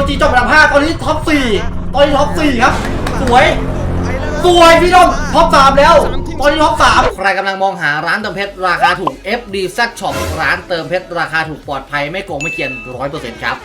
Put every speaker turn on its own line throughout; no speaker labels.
KOG จบอันดับ5ตอนนี้ท็อป4ตอนนี้ท็อป4ครับสวยพี่น้องท็อป3แล้วตอนนี้ท็อป3ใครกำลังมองหาร้านเติมเพชรราคาถูก FDZ Shop ร้านเติมเพชรราคาถูกปลอดภัยไม่โกงไม่เกียน 100% ครับ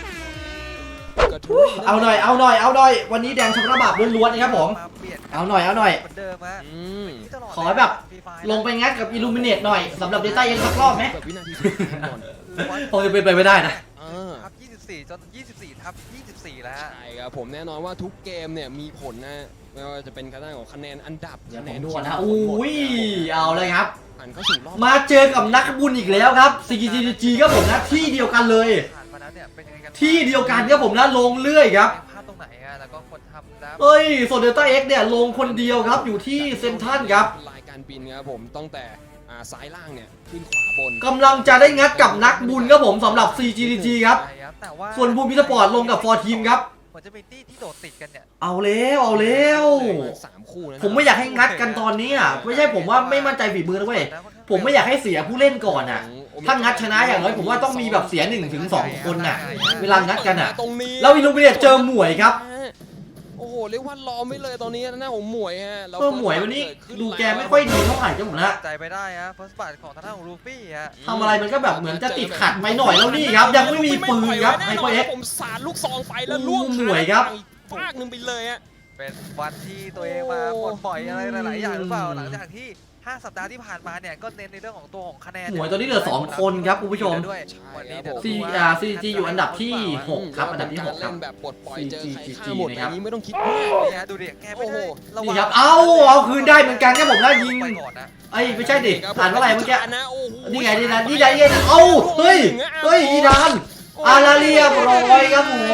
เอาหน่อยวันนี้แดงชมระบาบล้วนๆนะครับผมเอาหน่อยขอแบบลงไปงัดกับ Illuminate หน่อยสำหรับ Data ยังสักรอบไหมคงจะเป็นไปไม่ได้นะครับ
24จน24ทับ24แล้ว
ใช่ครับผมแน่นอนว่าทุกเกมเนี่ยมีผลนะไม่ว่าจะเป็นคะแนนของคะแนนอันดับ
คะแนนด้วยนะอุ้ยเอาเลยครับ
มา
เจอกับนักบุญอีกแล้วครับ CGG ครับผมนะที่เดียวกันเลยที่เดียวกันครับผมนะลงเรื่อยครับ
พลาดตรงไหนอะแล้วก็คนทำนะ
เอ้ยโซเดต้าเอ็กเนี่ยลงคนเดียวครับอยู่ที่เซนทันครับ
รายการบินครับผมตั้งแต่ซ้ายล่างเนี่ยขึ้นขวาบน
กำลังจะได้งัดกับนักบุญครับผมสำหรับ CGG ครับส่วนบูมพิสปอร์ตลงกับฟอร์ทีมครับ
เหมือนจะเป็นที่โดดติดกันเนี่ย
เอาแล้ว
3 คู่นะ
ผมไม่อยากให้งัดกันตอนนี้อ่ะไม่ใช่ผมว่าไม่มั่นใจฝีมือนะเว้ยผมไม่อยากให้เสียผู้เล่นก่อนอ่ะถ้างัดชนะอย่างน้อยผมว่าต้องมีแบบเสีย1 ถึง 2 คนน่ะเวลางัดกันอ่ะแล้วอิลูมิเนตเจอหมวยครับ
โอ้โหเรียกว่าล้อมไม่เลยตอนนี้นะผมหมวยฮะ
หมวยวันนี้ดูแกไม่ค่อยดีเท่าไหร่เจ้าหมูนะ
ใจไปได้ฮะเฟิร์สบัตของทางด้านของลูฟี่ฮะ
ทำอะไรมันก็แบบเหมือนจะติดขัดไปหน่อยแล้วนี่ครับยังไม่มีปืนครับไฮเปอร์เอ็กซ์
ผมสาดลูกซองไฟแล้วล่วง
หมวยครับ
ฟากนึงไปเลยฮะ
เป็นวันที่ตัวเองมาปลดปล่อยอะไรหลายๆอย่างหรือเปล่าหลังจากที่5 สัปดาห์ที่ผ่านมาเนี่ยก็เน้นในเรื่องของตัวของคะแนน
หมวยตอนนี้เหลือ2 คนครับคุณผู้ชมCGG อยู่อันดับที่6ครับอันดับที่6ครับ
แบบปลดปล่อยเจอใครฆ่าหมดอันนี้ไม่ต้องคิด
เนี่ยดูดิแกไม่ได้
นี่ครับเอาคืนได้เหมือนกันครับผมนะยิงไอ้ไม่ใช่ดิอ่านว่าอะไรเมื่อกี้นี่ไงเอาเฮ้ยอีดานอาราเรียบร้อยครับผม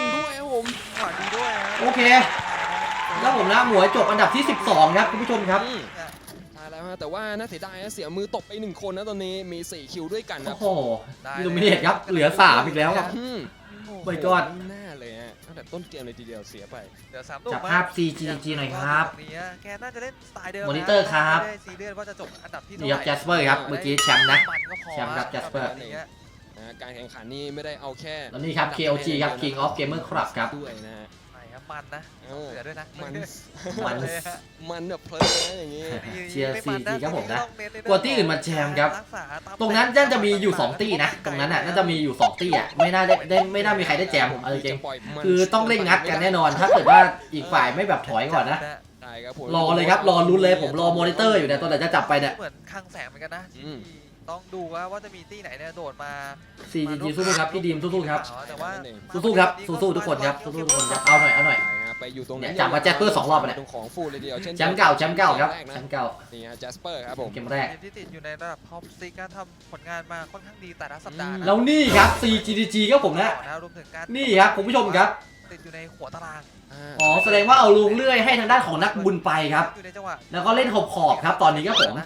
โอเคแล้วผมนะหมวยจบอันดับที่12ครับคุณผู้ชมครับ
แล้วแต่ว่าน่าเสียดายเสียมือตกไป1 คนนะตอนนี้มี4 คิวด้วยกันนะ
โอ้โหอิลูมิเนตครับเหลือ3อีกแล้วครับไปก่อน
แน่เลยฮะตั้งแต่ต้นเกมเลยทีเดียวเสียไป
เดี๋ยว3
จับภาพ CGG หน่อยครับ
แกน่าจะเล่นสไตล์เดิม
มอนิเตอร์ครับ
ซีเรียสว่าจะจบอันดับที่
นี่ครับแจสเปอร์ครับเมื่อกี้แชมป์นะแชมป์ครับแจสเปอร์
การแข่งขันนี่ไม่ได้เอาแค่
แล้วนี่ครับ KOG ครับ King of Gamer Club ครับ
ด้วยนะ
มันนะเสือด้วยนะ
มันแบบเพลินอย่างงี้
เชียร์CGครับผมนะกว่าที่อื่นมาแชมป์ครับตรงนั้นน่าจะมีอยู่2 ตี้นะตรงนั้นน่าจะมีอยู่2 ตี้อ่ะไม่น่ามีใครได้แจมผมอะไรจริงคือต้องเล่นงัดกันแน่นอนถ้าเกิดว่าอีกฝ่ายไม่แบบถอยก่อนนะรอเลยครับรอลุ้นเลยผมรอมอนิเตอร์อยู่เนี่ยตอนไหนจะจับไปเนี่ย
เหมือนคลังแสงเหมือนกันนะต้องดูว่าจะมีตี้ไหนเนี่ยโดดมา
CGG สู้ๆครับพี่ดีมสู้ๆครับสู้ๆครับสู้ๆทุกคนครับสู้ๆทุกคนครับเอาหน่อย
ไปอยู่ตรงนี้
จับมาแจสเปอร์2 รอบไปเนี่ย
ของฟูเลยเดียว
แชมป์เก่าครับแชมป์เก่า
นี่ฮะแจสเปอร์ครับผม
เกมแรก
ที่ติดอยู่ในระดับท็อปซีการทำผลงานมาค่อนข้างดีแต่ละสัปดาห์
แล้วนี่ครับ CGG ครับผมนะนี่ครับคุณผู้ชมครับ
ติดอยู่ในหัวตาราง
แสดงว่าเอาลงเลื่อยให้ทางด้านของนักบุญไปครับแล้วก็เล่นขอบครับตอนนี้ครับผม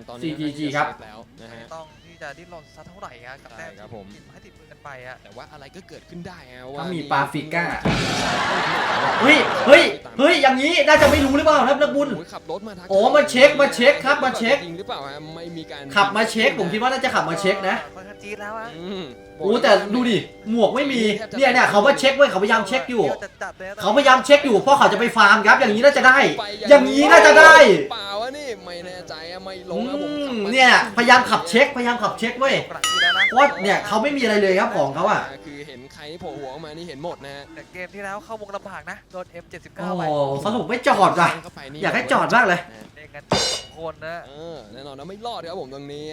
CGG ครับ
ต้องที่จะดิ้นรนสักเท่าไหร่กับแต้มครับผมให้ติดมือกันไป
แต่ว่าอะไรก็เกิดขึ้นได้
ว่ามีปาฟิก้าเฮ้ยอย่างนี้น่าจะไม่รู้หรือเปล่าครับนักบุญ
ขับรถมา
มาเช็คครับมาเช็ค
จริงหรือเปล่าไม่มีการ
ขับมาเช็คผมคิดว่าน่าจะขับมาเช็คนะ
จี๊ดแล้ว
แต่ดูดิหมวกไม่มีเนี่ยเขาว่าเช็คเว้ยเขาพยายามเช็คอยู่เขาพยายามเช็คอยู่เพราะเขาจะไปฟาร์มครับอย่างนี้น่าจะได้อย่างนี้น่าจะได้
เปล่าวะนี่ไม่แน่ใจไม่ลง
เนี่ยพยายามขับเช็คเว้ยเพราะเนี่ยเขาไม่มีอะไรเลยครับของเขาอ่ะ
คือเห็นใครโผล่หัวออกมานี่เห็นหมดนะ
แต่เกมที่แล้วเข้าวงลำบากนะโดน F79
ไปสรุปไม่จอดว่ะอยากให้จอดบ้างเลย
เล่นกัน2 คนนะ
แน่นอนนะไม่รอดครับผมตรงนี้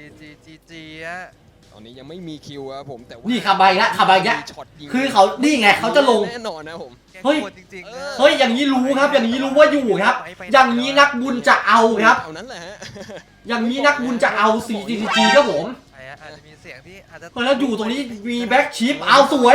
CGG
ตอนนี้ยังไม่มีคิวครับผมแต่
นี่ขับไปแล้วคือเขานี่ไงเขาจะลง
แน่นอนนะผม
เฮ้ยอย่างนี้รู้ครับอย่างนี้รู้ว่าอยู่ครับอย่างนี้นักบุญจะเอาครับอย่างนี้นักบุญจะเอา CGG ครับผม
อาจจะมีเสียงที่อาจจะ
แล้วอยู่ตรงนี้มีแบ็กชิปเอาสวย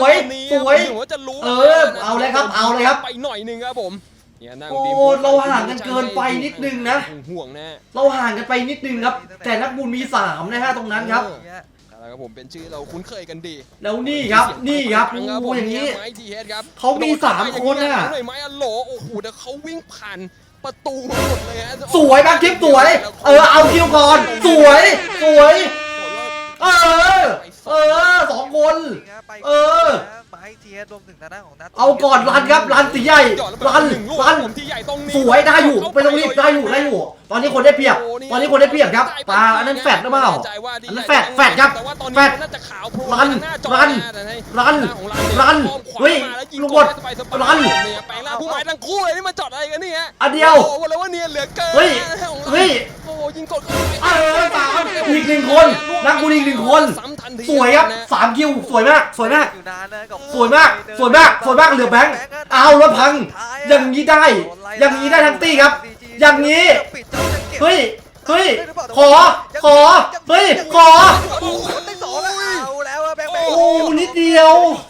เอาเลยครับ
ไปหน่อยนึงครับผม
เราห่างกันเกินไปนิดนึงนะ
ห่วงนะ
เราห่างกันไปนิดนึงครับแต่นักบุญมี3นะฮะตรงนั้นครับ
แล้วผมเป็นชื่อเราคุ้นเคยกันดี
แล้วนี่ครับอย่างนี้เขามี3 คนน่ะ
ไม้อโหลโอ้โหแต่เขาวิ่งผ่านประตูหมดเลยฮะ
สวยแบ็คทิปสวยเอาคิวก่อนสวย2 คน
ให้เทียรวมถึงทางด้านของนัท
เอาก่อนรันครับรันตีใหญ่รัน
ผมที่ใหญ่ตรงนี้
สวยได้อยู่ไม่ต้องรีบได้อยู่ตอนนี้คนได้เปรียบตอนนี้คนได้เปรียบครับปลาอันนั้นแฟดหรือเปล่าอันนั้นแฟดครับแฟดรันเฮ้ยลูกบอลรัน
แปลงร่างผู้หมายทั้งคู่เลยนี่มาจอดอะไรกันนี่ฮะ
อันเดียว
โอ้โหแล้วว่าเนียนเหลือเกิน
เฮ้ย
โอ้ยิงกด
สามอีกหนึ่งคนนักบุญอีกหนึ่งคนสวยครับ3 คิวสวยมาก
อยู่นานนะกับ
สวยมากเหลือแบงค์เอาแล้วพังอย่างนี้ได้ทั้งตี้ครับอย่างนี้เฮ้ยขอเฮ้ยขอ
ได้2แล้วเอาแล้วแบงค์
โอ้นิดเดียว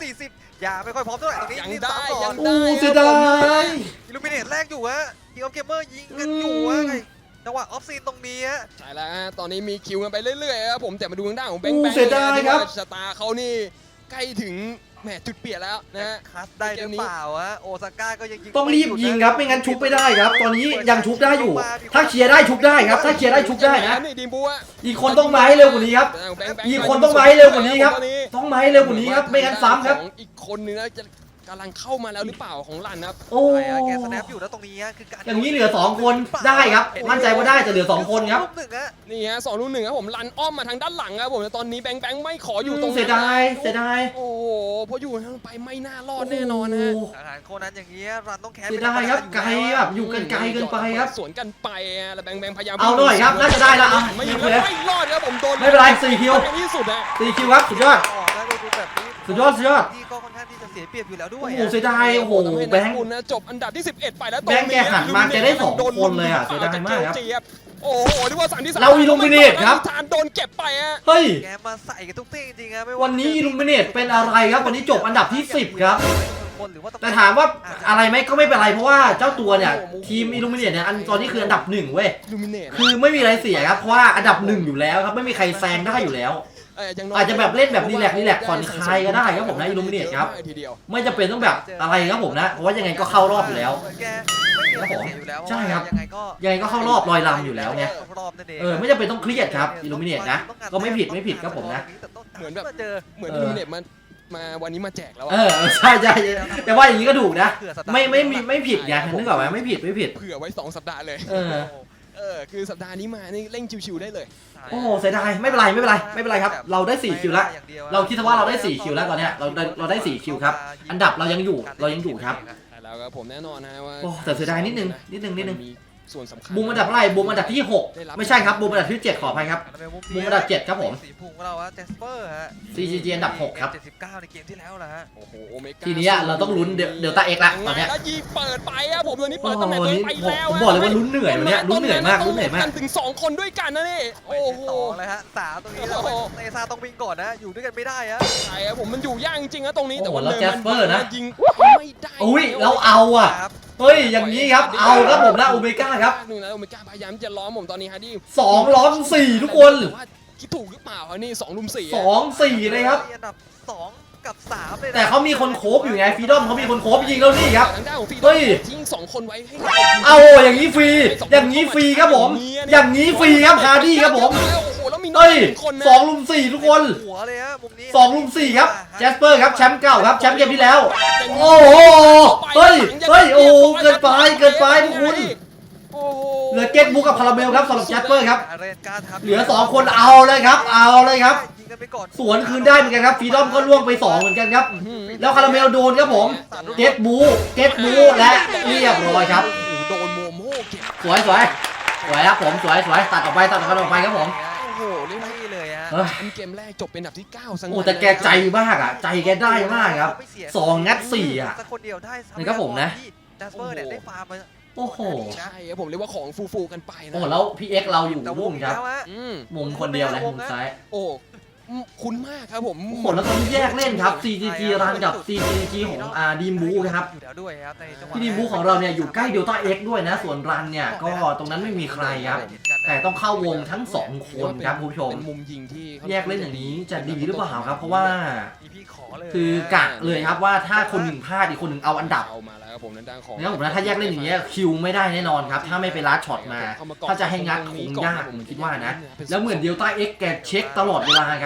40อย่าไม่ค่อยพร้อมเท่าไหร่ตรงนี้
ยังได้
โอ้เสียดาย
อิลูมิเนตแรกอยู่ฮะทีมออฟเกมเมอร์ยิงกันอยู่ฮะจังหวะออฟซีนตรงนี้ฮะ
ใช่แล้วฮะตอนนี้มีคิวกันไปเรื่อยๆครับผมแต่มาดูทางด้านของแบงค์
เสียดายครับ
ชะตาเขานี่ใกล้ถึงแหมจุดเปลี่ยนแล้วนะฮะ
คัดได้หรือเปล่าฮะโอซาก้าก็ยังยิง
ต้องรีบยิงครับไม่งั้นชุบไม่ได้ครับ ตอนนี้ยังชุบได้อยู่ ถ้าเคลียร์ได้ชุบได้ครับถ้าเคลียร์ได้ชุบได้นะ
นี่ดีมบูอะ
อีกคนต้องมาให้เร็วกว่านี้ครับ อีกคนต้องมาให้เร็วกว่านี้ครับ ต้องมาให้เร็วกว่านี้ครับไม่งั้นซ้ำครับ
อีกคนนึงนะจะกำลังเข้ามาแล้วหรือเปล่าของลันครับ
โอ้
แกสแนปอยู่แล้วตรงนี้คือการ
อย่างนี้เหลือ2 คนได้ครับมั่นใจว่าได้แต่เหลือ2 คนครับ
นี่ฮะ2-1ครับผมลันอ้อมมาทางด้านหลังครับผมแต่ตอนนี้แบงค์ไม่ขออยู่ตรง
เสียดาย
โอ้โหพออยู่ทางไปไม่น่ารอดแน่นอนนะ
อาหารโคนั้นอย่างนี้รันต้องแคส
เสียดายครับไกลแบบอยู่กันไกลเกินไปครับ
สวนกันไปแล้วแบงค์พยายาม
เอาหน่อยครับน่าจะได้แล้วอ่ะ
ไม่
ไม่
ร
เป็นไร
อดครับผมโดน
ไม่เป็นไร4 คิว
ที่สุดนะ
4 คิวครับสุดยอด
ดูแบบนี้
สุดยอด
ที่ก็ค่อนข้างที่จะเสียเปรียบอยู่แล้วด้ว
โอ้
ย
โหเสียดายโอ้โหแบงค์
คุณนะจบอันดับที่11ไปแล้ว
แบงค์แกหันมาแกได้2 คนเลยอ่ะเสียดายมากครับ
โอ้โหที่ว่า3ที่3
เรา Illuminate ครับ
ทานโดนเก็บไปฮะ
เฮ้ย
แกมาใส่กันทุกที่จริงๆครับ
วันนี้อิลูมิเนตเป็นอะไรครับวันนี้จบอันดับที่10ครับแต่ถามว่าอะไรไหมก็ไม่เป็นไรเพราะว่าเจ้าตัวเนี่ยทีมอิลูมิเนตเนี่ยตอนนี้คืออันดับ1เว้ย
Illuminate
คือไม่มีอะไรเสียครับเพราะว่าอันดับ1อยู่แล้วครับไม่มีใครแซงได้อยู่แล้ว อาจจะแบบเล่นแบบรีแลกซ์ผ่อนคลายก็ได้ครับผมนะอิลูมิเนตครับไม่จำเป็นต้องแบบอะไรครับผมนะเพราะว่ายังไงก็เข้ารอบอยู่แล้ว
แกไม่มีอะไรเสียอยู่แล้ว
ใช่ครับ
ยังไงก็
เข้ารอบลอยลำอยู่แล้วไง
รอบนั่นเอง
ไม่จำเป็นต้องเครียดครับอิลูมิเนตนะก็ไม่ผิดครับผมนะ
เหมือนแบบ
เจอ
เหมือนIlluminateมาวันนี้มาแจกแล้ว
ใช่แต่ว่าอย่างนี้ก็ถูกนะไม่ผิดไงนึกออกไหมไม่ผิด
เผื่อไว้2สัปดาห์เลย คือสัปดาห์นี้มานี่เร่งชิวๆได้เลย
โอ้เสียดายไม่เป็นไรครับเราได้4 คิวแล้วเราคิดว่าเราได้4 คิวแล้วตอนเนี้ยเราได้4 คิวครับอันดับเรายังอยู่ครับ
แล้วก็ผมแน่นอนนะว่า
โอ้แต่เสียดายนิดนึง
มีส่วนสำคัญ
บูมอันดับอะไรบูมอันดับที่6ไม่ใช่ครับบูมอันดับที่7ขออภัยครับ มุมอันดับ7ครับผม
สีพุงของเราฮะเจสเปอร์ฮะ
CGG อันดับ6ครับ
79ในเกมที่แล้วนะฮะ
โอ้โหโอเมก้า
ทีนี้เราต้องลุ้นเดลต้าเอ็กละตอนเนี้ย
แล้วยิงเปิดไปอะผมตัวนี้
โอ้
เปิดตำแหน่ง
โห
ตัวเอ
นี่
งไปแล้ว
ผมบอกเลยว่าลุ้นเหนื่อยวันเนี้ยลุ้นเหนื่อยมาก
ถึง2คนด้วยกันนะนี่โอ้โห
2เลยฮะ3ตรงนี้แล้วเตซ่าต้องวิ่งก่อนนะอยู่ด้วยกันไม่ได้ฮะ
ใช่ครับผมมันอยู่ยากจริงๆนะตรงนี้
โอ้โห
แต่ว่า
แล้วแจสเปอร์นะ
ยิงไม่ได้
อุ้ยเราเอาอ่ะ
ครับ
เฮ้ยอย่างนี้ครับเอาครับผมนะโอเมก้าครับ
หนึ่งนะโอเมก้าพยายามจะล้อมผมตอนนี้ฮะดิ
2 ล้อม 4 ทุกคน
แต่ว่าคิดถูกหรือเปล่าอันนี้2 ลุม 4
2-4เลยครับ
อันดับ2กับ3เลยนะ
แต่เขามีคนโคบอยู่ไงฟรีดอมเขามีคนโคบยิงแล้วนี่ครับ
ทางด้านของฟีด
เฮ้ย
ทิ้ง2 คนไว้ให้
เอาอย่างนี้ฟรีครับผมอย่างนี้ฟรีครับฮาร์ดี้ครับผม
โอ้โหแล้วมี
เฮ้ย
คนนะ
2 ลุม 4 ทุกคน
หัวเลยฮะมุมนี้
2 ลุม 4 ครับแจสเปอร์ครับแชมป์เก่าครับแชมป์เกมที่แล้ว โอ้โหเฮ้ยโอ้เกินไปทุกคนเหลือเก็ตบุ๊กกับคาราเมลครับสำหรับแจสเปอร์ครับเหลือ2 คนเอาเลยครับ
ยิงกันไปก่อน
สวนคืนได้เหมือนกันครับฟรีดอมก็ล่วงไป2เหมือนกันครับแล้วคาราเมลโดนครับผมเก็ตบูและเรียบร้อยครับ
โดนโมโม่เก็บ
สวยครับผมสวยตัดออกไปครับผม
โอ้โหเล่น
ไม่เลยฮะ
เฮ้ย
เกมแรกจบเป็นอันดับที่9สัง
โอ้แต่แกใจมากอ่ะใจแกได้มากครับ2 งัด 4อ่ะ
สักคนเดียวได้
นี่ครับผมนะ
แจสเปอร์เนี่ยได้ฟาร์มมา
โอ้โห
ใช่ครับผมเรียกว่าของฟูกันไปนะ
โอ้แล้วพี่เอ็กเราอยู่รุ่งครับ
แล้วฮะ
มุมคนเดียวเลยมุมซ้าย
โอ้คุ้นมากครับผม
โอ้โหแล้วตอนนี้แยกเล่นครับ CGG รันกับ CGG ของดีมบูครับ
อยู่แล้วด้วยครับในจังหวะ
ที่ดีมบูของเราเนี่ยอยู่ใกล้เดลต้าเอ็กด้วยนะส่วนรันเนี่ยก็ตรงนั้นไม่มีใครครับแต่ต้องเข้าวงทั้ง2 คนครับคุณผู้ชม
เป็นมุมยิงที่
แยกเล่นอย่างนี้จะดีหรือเปล่าครับเพราะว่า
พี่ขอเลย
คือกะเลยครับว่าถ้าคนหนึ่งพลาดอีกคนหนึ่งเอาอันดับ
เอามาแล้วครับผมด้านของ
นะครับผมนะถ้าแยกเล่นอย่างเงี้ยคิวไม่ได้แน่นอนครับถ้าไม่ไปลัดช็อตมาถ้าจะให้งัดคงยากผมคิดว่านะแล้วเหมือนเดลต้าเอ็กแกเช็คตลอดเวลาครับ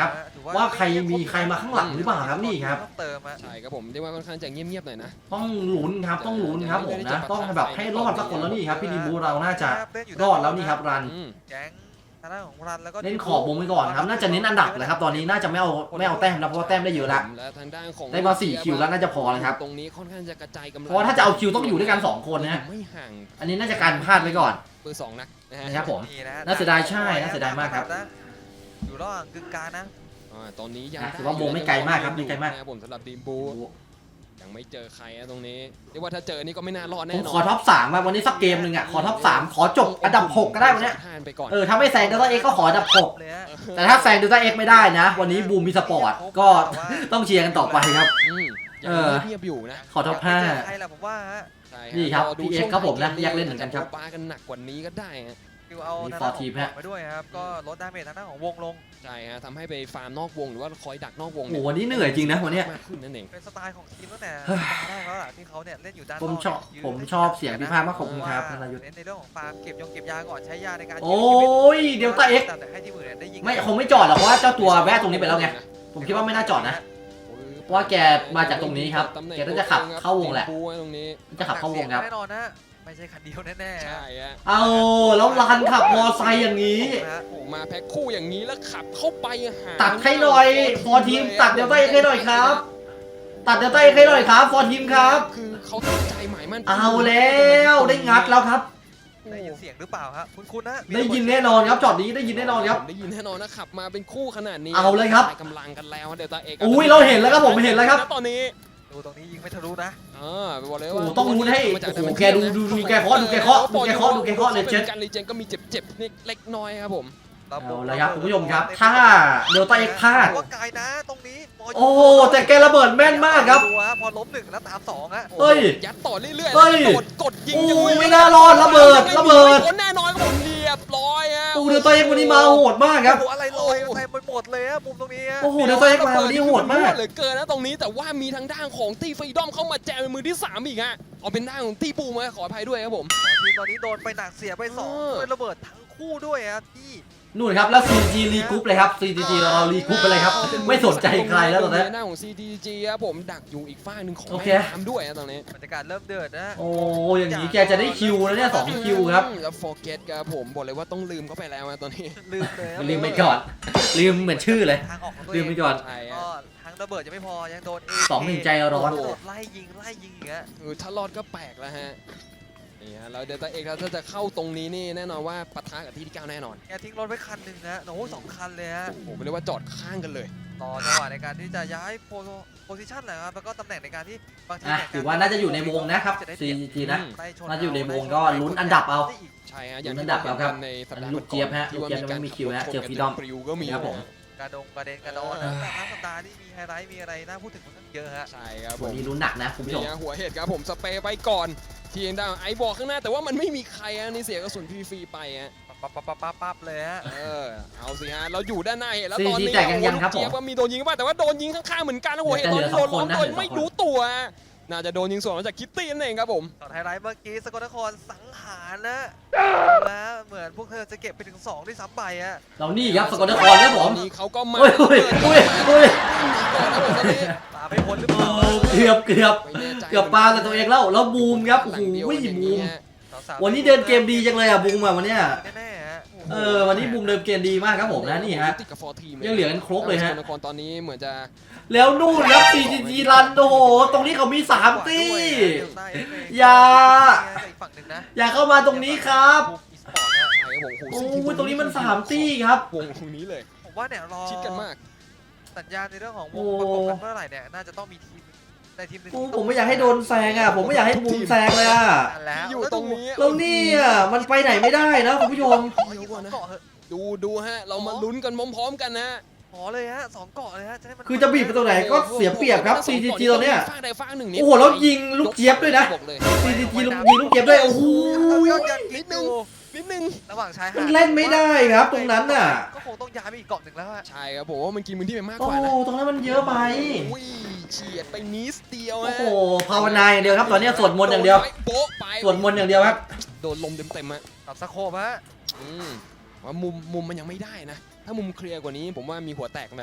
ว่าใครมีใครมาข้างหลังหรือเปล่าครับนี่ครับ
ต้องเติมอะ
ใช่ครับผมเรียกว่าค่อนข้างจะเงียบๆหน่อยนะ
ต้องลุ้นครับต้องลุ้นครับผมนะต้องแบบให้รอดสักคนแล้วนี่ครับพี่ดีบูเราน่าจะรอดแล้วนี่ครับรัน
แก๊งทางด้านของรันแล้วก็
เน้นขอบวงไปก่อนครับน่าจะเน้นอันดับเลยครับตอนนี้น่าจะไม่เอาแต้มนะเพราะว่าแต้มได้เยอะละ
และทางด้านของ
ได้มา4คิวแล้วน่าจะพอเลยครับ
ตรงนี้ค่อนข้างจะกระจายกำลัง
เพราะว่าถ้าจะเอาคิวต้องอยู่ด้วยกัน2คนนะฮะ
ไม่ห่าง
อันนี้น่าจะการพลาดไว้ก่อน
เบอร์2นะฮะ
นะครับผม
นี่ะ
น่าเสียดายใช่น่าเสียดายมากครับ
อยู่ระหว่างกึ่งกลางนะ
ตอนนี้ยัง
ถือว่าวงไม่ไกลมากครับไม่ไกลมาก
นะครับผมสำหรับดีมบูยังไม่เจอใครนะตรงนี้เรียกว่าถ้าเจอนี่ก็ไม่น่ารอด
ผ
แน่
ม
นอน
ขอท็อป3มาวันนี้สักเกมหนึ่งอ่ะขอท็อป3ขอจบอันดับ6ก็ได้วันเนี้ย
ผ่านไปก่อน
ถ้าไม่แซงเดลต้าเอ็กก็ขออันดับ6
เลยฮะ
แต่ถ้าแซงเดลต้าเอ็กไม่ได้นะ วันนี้บูมมีสปอร์ตก็ต้องเชียร์กันต่อไปครับ
ยังเงียบๆอยู่นะ
ขอท็อป
ยากไปเจอใครล่ะผมว่าฮะ
ใช่
นี่ครับ
อดู
PX
ช่วง
ครับผมนะ
ท้าย
อยากเล่นเหมือนกันครับ
ปากันหนักกว่านี้ก็ได้ฮะ
คิวเอา
มี
ทาง
ฟอ
ด้า
ร์
น
ทีม
ของ
ฮะ
ไปด้วยครับก็ลดดาเมจทางด้านของวงลง
ใช่ฮะทำให้ไปฟาร์มนอกวงหรือว่าคอยดักนอกวง
โอ้โหวันนี้เหนื่อยจริงนะวันเนี้ย
มากขึ้นนั่นเอง
เป็นสไตล์ของทีมตั้งแต่
เฮ้ย
ตอนแรกแล้วล่ะที่เขาเนี่ยเล่นอยู่ด้านน
ผ
อก
มชอบ
ยืน
ผมชอบเสียงพิพากษ์มากขอบคุณครับธนายุทธ
เน้นในเรื่องของฟาร์มเก็บยาก่อนใช้ยาในการ
โอ้ยเดลต้าเอ็ก
แต่ให้ทีมอื่นเนี่ยได้ยิง
ไม่คงไม่จอดหรอกเพราะว่าเจ้าตัวแวะตรงนี้ไปแล้วไงผมคิดว่าไม่น่าจอดนะ เพราะว่าแกมาจากตรงนี้ครับแกน่าจะขับเข้าวงแหละ
บูไว้ตรงนี้
จะขับเข้าวงครับ
แน่นอนนะไม่ใช่คันเดียวแน่ๆ
ใช่ฮะ
เอาแล้วรันขับมอไซค์อย่างนี้
โอ้มาแพ็คคู่อย่างนี้แล้วขับเข้าไปหา
ตัดให้หน่อยฟอร์ทีมตัดเดลต้าเอ็กให้หน่อยครับ ตัดเดลต้าเอ็กให้หน่อยครับฟอร์ทีมครับ
คือเขาตั้งใจหมายมั่น
เอาแล้วได้งัดแล้วครับ
ได้ยินเสียงหรือเปล่าครับคุณนะ
ได้ยินแน่นอนครับจอดนี้ได้ยินแน่นอนครับ
ได้ยินแน่นอนนะขับมาเป็นคู่ขนาดนี้
เอาเลยครับ
กำลังกันแล้วเดลต้าเอก
อุ้ยเราเห็นแล้วครับผมเห็นแล้วครับ
ตอนนี้
ดูตรงนี้ยิงไม่ทะลุนะ
บอกเลย
โอ้
ว่า
โหต้องลุ้นให้โอ้โหแกดูแกเคาะเลยเจ็ด
การรีเจนก็มีเจ็บๆนิดเล็กน้อยครับผม
เอาเลยครับคุณผู้ชมครับถ้าเดลต้าเอ็กพลาด
ว่าไกลนะตรงนี้
โอ้แต่แกระเบิดแม่นมากครับ
ดูฮะพอล้ม1แล้วตาม2ฮะ
เฮ้ย
ยัดต่อเรื่อยๆ
เฮ้ย
กดยิง
โอ้
ยัง
ไม่น่ารอดระเบิด
แน่นอนครับผมเรียบร้อยฮะ
โอ้เดลต้าเอ็กวันนี้มาโหดมากครับ
โอ้อะไรลอยเต็มไปหมดเลยฮะมุมตรงนี้ฮะ
โอ้โหเดลต้าเอ็กมาวันนี้โหดมาก
เหลือเกินนะตรงนี้แต่ว่ามีทางด้านของตีฟรีดอมเข้ามาแจมเป็นมือที่3อีกฮะเอาเป็นด้านของตีปูมาขออภัยด้วยครับผม
ทีมตอนนี้โดนไปหนักเสียไป2ด้วยระเบิดทั้งคู่ด้วยครับที่
นู่นครับแล้ว CG รีกรุ๊ปเลยครับ CG เรารีกรุ๊ปไปเลยครับไม่สนใจใครแล้วตอนนี้
หน้าของ CDG ครับผมดักอยู่อีกฝั่งหนึ่งของ
โอเค
แม่น้ำด้วยนะตรงนี้
บรรยากาศเริ่มเดือดนะ
โอ้อย่างนี้แกจะได้คิวแล้วเนี่ย2คิวครับ
แล้วโฟเกตครับผมบอกเลยว่าต้องลืมเขาไปแล้วนะตอนนี้
ลืมเลย
ลืมไปก่อนลืมเหมือนชื่อเลย
ทางออกของตัว
ลื
เอ
ม
ง
ไปก่อน
ใช่
ก็
ฮะ
ทั้งระเบิดยังไม่พอยังโดน
2-1ใจร้อน
โดดไล่ยิงอย่างเงี้ย
ถ้ารอดก็แปลกแล้วฮะนี่ฮะแล้วเดลต้าเอกถ้าจะเข้าตรงนี้นี่แน่นอนว่าปะทะกับที่9แน่นอน
แกทิ้งรถไว้คันหนึ่งนะโอ้โห2 คันเลยฮะ
ผมเรียกว่าจอดข้างกันเลย
ต่อจังหวะในการที่จะย้ายโพซิชันแหละครับแล้วก็ตำแหน่งในการที่บางที
อ่ะถือว่าน่าจะอยู่ในวงนะครับ CG นะ น่าจะอยู่ในวงก็ลุ้นอันดับเอา
ใช่ฮะอย่าง
ลุ้
ที่
นอันดับแล้วครับ
ในสัปดา
อัน
ห์
นี้ลูกเจี๊ยบฮะ
ที่
ลูกเจี๊ยบยังไม่มีคิวฮะเจอ Freedom
ปลิวก็มี
ครับผม
กระเด็นกระโดดนะแต่ทั้งสัปดาห์ที่มีไฮไลท์มีอะไรน่าพูดถึงมันเยอะฮะ
ใช่ครับผ
วัน
ม
นี้ลุ้นหนักนะคุณผู้ชม
นี่ฮะหัวเห็ดครับผมสเปรย์ไปก่อนทีเอ็นดาวไอบอกข้างหน้าแต่ว่ามันไม่มีใครฮะนี่เสียกระสุนฟรีๆไปฮะ
ปั๊บเลยฮะ
เอาสิฮะเราอยู่ด้านหน้าเห็นแล้วตอน
CG
นี้
แตกยังครับผม
เจี๊ยบว่ามีโดนยิงบ้างแต่ว่าโดนยิงข้างๆเหมือนกันนะหัวเห็ดตอนนี้โดนล้อมโดยไม่รู้ตัวฮะน่าจะโดนยิงสวนมาจากคิตตี้นั่นเองครับผม
ตอนไฮไลท์เมื่อกี้สกลนครสังหารนะแล้วเหมือนพวกเธอจะเก็บไปถึง2ด้วยซ้ำไปฮะ
เรานี่ครับสกลนครครับผม
นี่เขาก็มา
อุ้ยอุ้ยอุ้ยอุ้ย
ก่อนนะผมตอนนี้
ตาไม่พ้นหรือเปล่า
เกือบ
ไม่แน่ใจ
เกือบปากับตัวเองแล้วบูมครับโอ้โหบูมวันนี้เดินเกมดีจังเลยอ่ะบูมอ่ะวันเนี้ย
แน่ๆฮะ
วันนี้บูมเดินเกมดีมากครับผมนะนี่ฮะ
ติดกับฟอร์ทีม
ยังเหลือกันครบเลยฮะ
สกลนครตอนนี้เหมือนจะ
แล้วนู่นครับ CGG รันโอ้โหตรงนี้เขามี3ตี้อย่า
อีกฝั่งหนึ่งนะ
อย่าเข้ามาตรงนี้ครับ
บูมอีสปอร์ตฮะ
ใช่ครับผม
โอ้ยตรงนี้มัน3ตี้ครับ
วงตรงนี้เลย
ผมว่าเนี่ยรอ
ชิดกันมาก
สัญญาณในเรื่องของว
โอ้
งประกบกันเมื่อไหร่เนี่ยน่าจะต้องมีทีมในทีมหนึ่ง
โอ้ผมไม่อยากให้โดนแซงอ่ะผมไม่อยากให้บูมแซงเลยอ่ะ
แล้ว
อยู่ตรงนี้
แล้วเนี่ยมันไปไหนไม่ได้นะคุณผู้ชม
เกาะเหอะ
ดูฮะเรามาลุ้นกันพร้อมๆกันนะ
ขอเลยฮะ2 เกาะเลยฮะจะให้มัน
คือจะบีบไปตรงไหนก็เสียเปรียบครับ CGG ตอนเนี้ย
ฟาดใดฟาดหนึ่ง
โอ้โหแล้วยิงลูกเจี๊ยบด้วยนะ
บอกเลย
CGG ยิงลูกเจี๊ยบด้วยโอ้โห
นิดนึง
ระหว่างชายหา
มัน
ด
เล่นไม่ได้ครับตรงนั้นน่ะ
ก็คงต้องย้ายไปอีกเกาะหนึ่งแล้วฮะ
ใช่ครับผมว่ามันกินพื้นที่ไปมาก
โอ้
กว่านะ
ตรงนั้นมันเยอะไป
อุ้ยเฉียดไปนิดเดียว
โอ้
ฮะ
โหภาวนาอย่างเดียวครับตอนนี้สวดมนต์อย่างเดียว
โป๊ะไป
สวดมนต์อย่างเดียวครับ
โดนลมเต็มๆฮะ
กับสโคปฮะ
ว่ามุมมันยังไม่ได้นะ ถ้ามุมเคลียร์กว่านี้ผมว่ามีหัวแตกไปแล้ว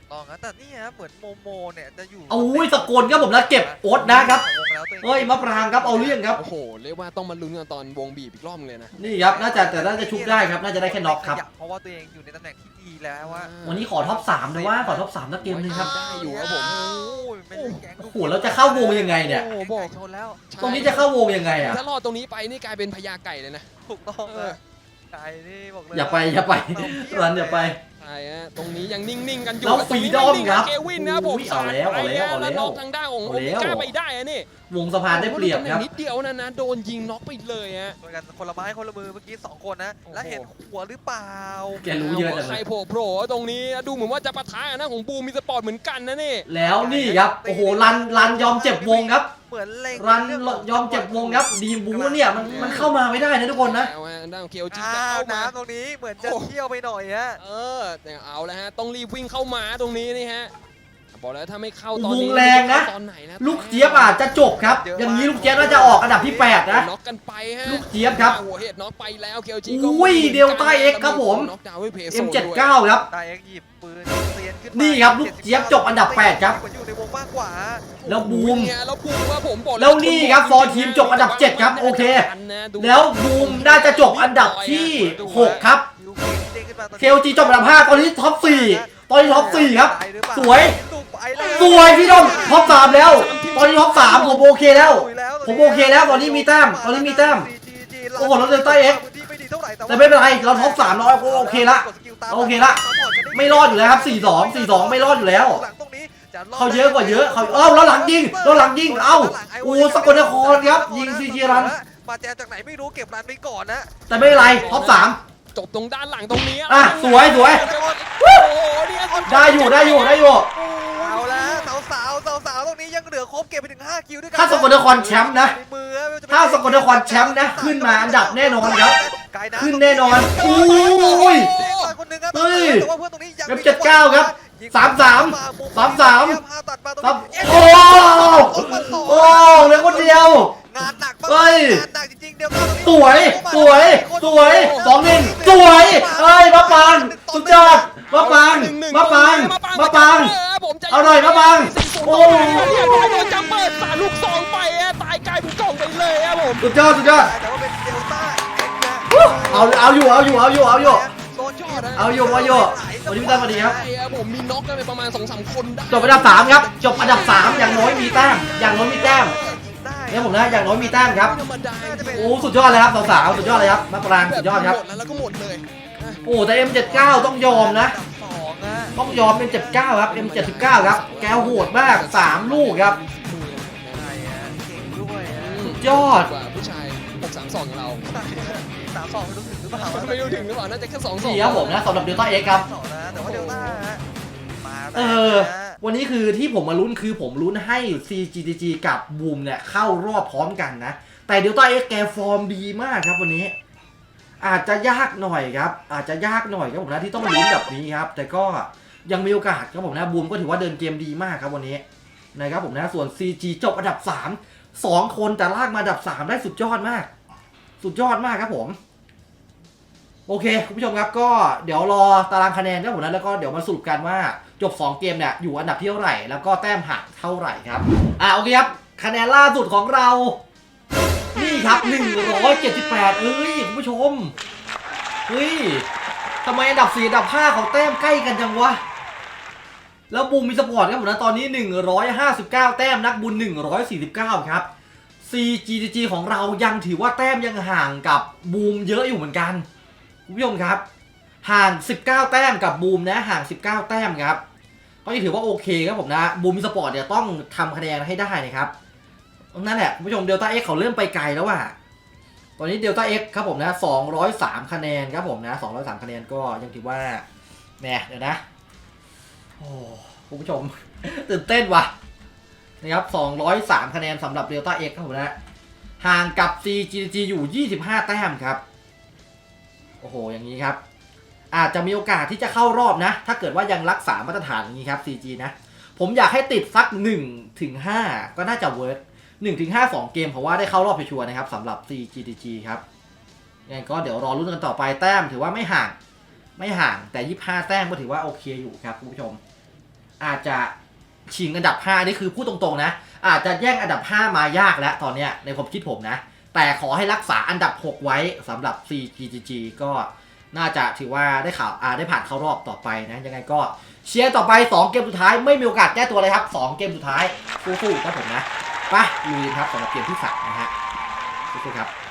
ต้องนะแต่นี่ฮะเหมือนโมเนี่ยจะอยู่
โอ้ยสกลครับผมนะเก็บโอ๊ตนะครับเฮ้ยมะปรางครับเอาเรื่องครับ
โอ้โหเรียกว่าต้องมาลุ้นกันตอนวงบีบอีกรอบเลยนะ
นี่ครับน่าจะชุบได้ครับน่าจะได้แค่น็อกครับ
เพราะว่าตัวเองอยู่ในตำแหน่งที่ดีแล้วว่า
วันนี้ขอท็อป3เลยว่าขอท็อป3นักเกมนึงครับ
ได้อยู่ครับผม
โอ้โหแล้วจะเข้าวงยังไงเนี่ย
โอ้บอก
ชนแล้ว
ตรงนี้จะเข้าวงยังไงอ่ะ
ถ้ารอดตรงนี้ไปนี่กลายเป็นพญาไก่เลยนะ
ถูกต้องนะไก่นี่บอกเลย
อย่าไปรันอย่าไป
ใช่ฮะตรงนี้ยังนิ่งๆกันอยู่
แล้วฟรีดอมครับ
เควินนะครับผม
เอาแล้วเอาแล้วเอาแล้ว
น็อกทางด้านของโอเมก้าไปได้อะนี่
วงสะพานได้เปรียบครับ
นิดเดียวนะโดนยิงน็อกไปเลยฮะ
โดยกันคนละไม้คนละมือเมื่อกี้2คนนะแล้วเห็นหัวหรือเปล่า
แกรู้เยอะจัง
ใค
เล
ร
ย
โผล่ตรงนี้ดูเหมือนว่าจะปะทะกันนะของบูมมีสปอร์ตเหมือนกันนะนี่
แล้วนี่ครับโอ้โหรันยอมเจ็บวงครับ
เหมือนเล็ง
รันยอมเจ็บวงครับดีมบูเนี่ยมันเข้ามาไม่ได้นะทุกคนนะ
แล้วฮะด้านของเคียวจี
อ้า
จะ
ว
เข้ามา
น้ำตรงนี้เหมือนจะเที่ยวไปหน่อยฮะ
แต่เอาแล้วฮะต้องรีบวิ่งเข้ามาตรงนี้นี่ฮะบอกแล้วถ้าไม่เข้าตอนนี้
วงแรงนะ
ตอนไหนนะ
ลูกเจี๊ยบอาจจะจบครับอย่างนี้ลูกเจี๊ยบน่าจะออกอันดับที่8นะ
น็อกกันไปฮะ
ลูกเจี๊ยบครับ
หัวเห็ดน็อกไปแล้วเคียวจี
อุ้ยเดลต้า X ครับผม
น็อกดาวน์ด้วยเพโซ
M79 ครับ
ตายเอ็กหยิบปืนเซียนขึ้น
นี่ครับลูกเจี๊ยบจบอันดับ8ครับ
อยู่ในวงมากกว่า
แล้วบูม
เนี่ยแล้วบูมว่าผมบอก
แล้วนี่ครับฟอร์ทีมจบอันดับ7ครับโอเค แล้วบูมน่าจะจบอันดับที่6ครับ
ยูครีนเด้งขึ้นมาตอนนี้
เคลจีจบอันดับ5ตอนนี้ท็อป4ตอนนี้ท็อป4ครับ
ไปหรือเปล่า
สวย
ไปแล้ว
สวยพี่ดมท็อป3แล้ว ตอนนี้ท็อป3ผมโอเคแล้ว ผมโอเคแล้วตอนนี้มีแต้มตอนนี้มีแต้ม โอ้โหแล้วเดลต้า X แต่ไม่เป็นไรเราท็อป3เราโอเคละโอเคละไม่รอดอยู่แล้วครับ4-2ไม่รอดอยู่แล้ว เขาเยอะกว่าเยอะเขาแล้วหลังยิงเอ้าโอ้สกลนครครับยิงซีจีรัน
มาแจมจากไหนไม่รู้เก็บรันไปก่อนนะ
แต่ไม่เป็นไรท็อป3
จบตรงด้านหลังตรงนี้
อ่ะสวย
โอ้โหเนี่ย
ได้อยู่
เอาละสาวตรงนี้ยังเหลือครบเก็บไปถึง5คิวด้วยกัน
ถ้าสกลนครแชมป์นะถ้าสกลนครแชมป์นะขึ้นมาอันดับแน่นอนครับขึ้นแน่นอนอุ้ย เฮ้ย M79 ครับ33 โอ้โอ้เหลือคนเดียว
งานหนัก
เฮ้ย
งานหนักจริงๆเดี๋ยว
สวย2-1สวยเฮ้ยมะปางสุดยอดมะปางอร่อยมะปางโอ้
โดนจัมเปอร์สาลูกซองไปตายกลายเป็นกล่องไปเลยครับผม
สุดยอด
แต่ว่าเป็นเดลต้า
เอาอยู่
โดนยอด
วันนี้พี่ตั้มสวัสดีครับ
ใช่ครับผมมีน็อกกันไปประมาณ 2-3 คนได้
จบอันดับ3ครับจบอันดับ3อย่างน้อยมีแต้มเนี่ยผมนะอย่างน้อยมีแต้มครับ
ธรรมดา
โอ้สุดยอดเลยครับสาวๆสุดยอดเลยครับมะปรางสุดยอดครับ
หมดแล้วก็หมดเลย
โอ้แต่ M79 ต้องยอมนะ
2นะ
ต้องยอม M79 ครับ M79 ครับแกโหดมาก3ลูกครับ
ใช่ฮะเก่งด้วยฮะ
สุดยอด
กว่าผู้ชาย632ของเรา
3-2ไม่รู้ถึงหรือเปล่า
ไม่รู้ถึงหรือเปล่าน่าจะแค่2-2
นี่ครับผมนะสำหรับเดลต้า X ครับ
2นะแต่ว่าเดลต้าฮะมาแล้
เอ
ว
อ
นะ
วันนี้คือที่ผมมาลุ้นคือผมลุ้นให้ CGG กับบูมเนี่ยเข้ารอบพร้อมกันนะ แต่เดลต้า X แกฟอร์มดีมากครับวันนี้ อาจจะยากหน่อยครับผมนะที่ต้องลุ้นแบบนี้ครับ แต่ก็ยังมีโอกาสครับผมนะบูมก็ถือว่าเดินเกมดีมากครับวันนี้นะครับผมนะส่วน CG จบอันดับ3 2 คนแต่ลากมาอันดับ3ได้สุดยอดมากครับผมโอเคคุณผู้ชมครับก็เดี๋ยวรอตารางคะแนนครับผมนะแล้วก็เดี๋ยวมาสรุปกันว่าจบ2เกมเนี่ยอยู่อันดับที่เท่าไหร่แล้วก็แต้มหักเท่าไหร่ครับโอเคครับคะแนนล่าสุดของเรานี่ครับ178เอ้ยคุณผู้ชมเฮ้ยทำไมอันดับ4อันดับ5เขาแต้มใกล้กันจังวะแล้วบูมมีสปอร์ตครับผมนะตอนนี้159แต้มนักบุญ149ครับ CGG ของเรายังถือว่าแต้มยังห่างกับบูมเยอะอยู่เหมือนกันคุณผู้ชมครับห่าง19แต้มกับบูมนะห่าง19แต้มครับก็ยังถือว่าโอเคครับผมนะบูมมีสปอร์ตเนี่ยต้องทำคะแนนให้ได้นะครับนั่นแหละคุณผู้ชมเดลต้า X เขาเริ่มไปไกลแล้วว่ะตอนนี้เดลต้า X ครับผมนะ203คะแนนครับผมนะ203คะแนนก็ยังถือว่าแหมเดี๋ยวนะโอ้คุณผู้ชม ตื่นเต้นว่ะนะครับ203คะแนนสำหรับเดลต้า X ครับผมนะห่างกับ CGG อยู่25แต้มครับโอ้โหอย่างนี้ครับอาจจะมีโอกาสที่จะเข้ารอบนะถ้าเกิดว่ายังรักษามาตรฐานอย่างนี้ครับ CG นะผมอยากให้ติดสัก 1-5 ก็น่าจะเวิร์ก1-5 2 เกมเพราะว่าได้เข้ารอบชัวร์นะครับสำหรับ CGG ครับยังไงก็เดี๋ยวรอลุ้นกันต่อไปแต้มถือว่าไม่ห่างแต่25แต้มก็ถือว่าโอเคอยู่ครับคุณผู้ชมอาจจะชิงอันดับ5นี่คือพูดตรงๆนะอาจจะแย่งอันดับ5มายากแล้วตอนเนี้ยในความคิดผมนะแต่ขอให้รักษาอันดับ6ไว้สำหรับ CGG ก็น่าจะถือว่าได้ได้ผ่านเข้ารอบต่อไปนะยังไงก็เชียร์ต่อไป2เกมสุดท้ายไม่มีโอกาสแก้ตัวเลยครับ2เกมสุดท้ายสู้ๆครับผมนะไปลุยครับสำหรับเกมที่3นะฮะสู้ๆครับ